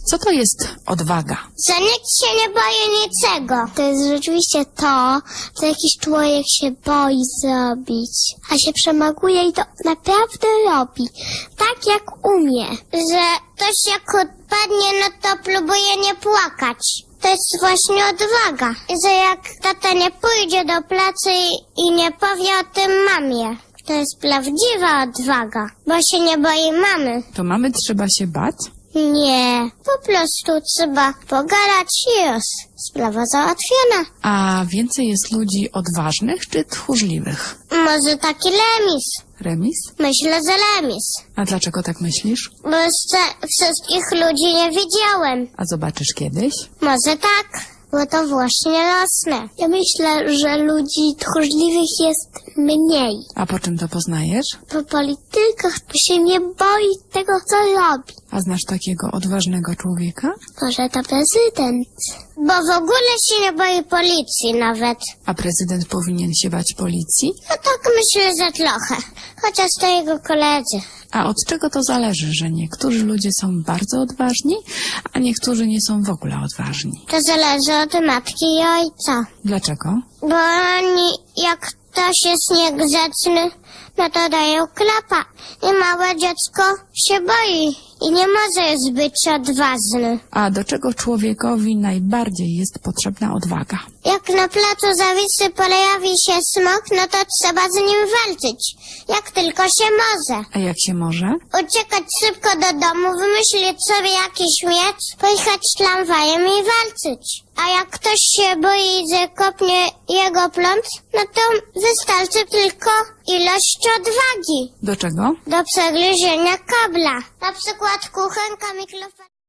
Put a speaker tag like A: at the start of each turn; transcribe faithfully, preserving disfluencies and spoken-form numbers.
A: Co to jest odwaga?
B: Że nikt się nie boi niczego. To jest rzeczywiście to, co jakiś człowiek się boi zrobić, a się przemaguje i to naprawdę robi. Tak jak umie. Że ktoś jak odpadnie, no to próbuje nie płakać. To jest właśnie odwaga. Że jak tata nie pójdzie do pracy i nie powie o tym mamie. To jest prawdziwa odwaga, bo się nie boi mamy.
A: To mamy trzeba się bać?
B: Nie, po prostu trzeba pogadać i już. Sprawa załatwiona.
A: A więcej jest ludzi odważnych czy tchórzliwych?
B: Może taki remis.
A: Remis?
B: Myślę, że remis.
A: A dlaczego tak myślisz?
B: Bo jeszcze wszystkich ludzi nie widziałem.
A: A zobaczysz kiedyś?
B: Może tak, bo to właśnie rosnę. Ja myślę, że ludzi tchórzliwych jest mniej.
A: A po czym to poznajesz?
B: Po politykach to się nie boi tego, co robi.
A: A znasz takiego odważnego człowieka?
B: Może to prezydent. Bo w ogóle się nie boi policji nawet.
A: A prezydent powinien się bać policji?
B: No tak myślę, że trochę. Chociaż to jego koledzy.
A: A od czego to zależy, że niektórzy ludzie są bardzo odważni, a niektórzy nie są w ogóle odważni?
B: To zależy od matki i ojca.
A: Dlaczego?
B: Bo oni, jak ktoś jest niegrzeczny, no to dają klapa. I małe dziecko się boi i nie może być odważny.
A: A do czego człowiekowi najbardziej jest potrzebna odwaga?
B: Jak na placu zawisy pojawi się smok, no to trzeba z nim walczyć. Jak tylko się może.
A: A jak się może?
B: Uciekać szybko do domu, wymyślić sobie jakiś miecz, pojechać tramwajem i walczyć. A jak ktoś się boi, że kopnie jego pląd, no to wystarczy tylko ilość odwagi.
A: Do czego?
B: Do przegryzienia kabla. Na przykład kuchenka, mikrofon.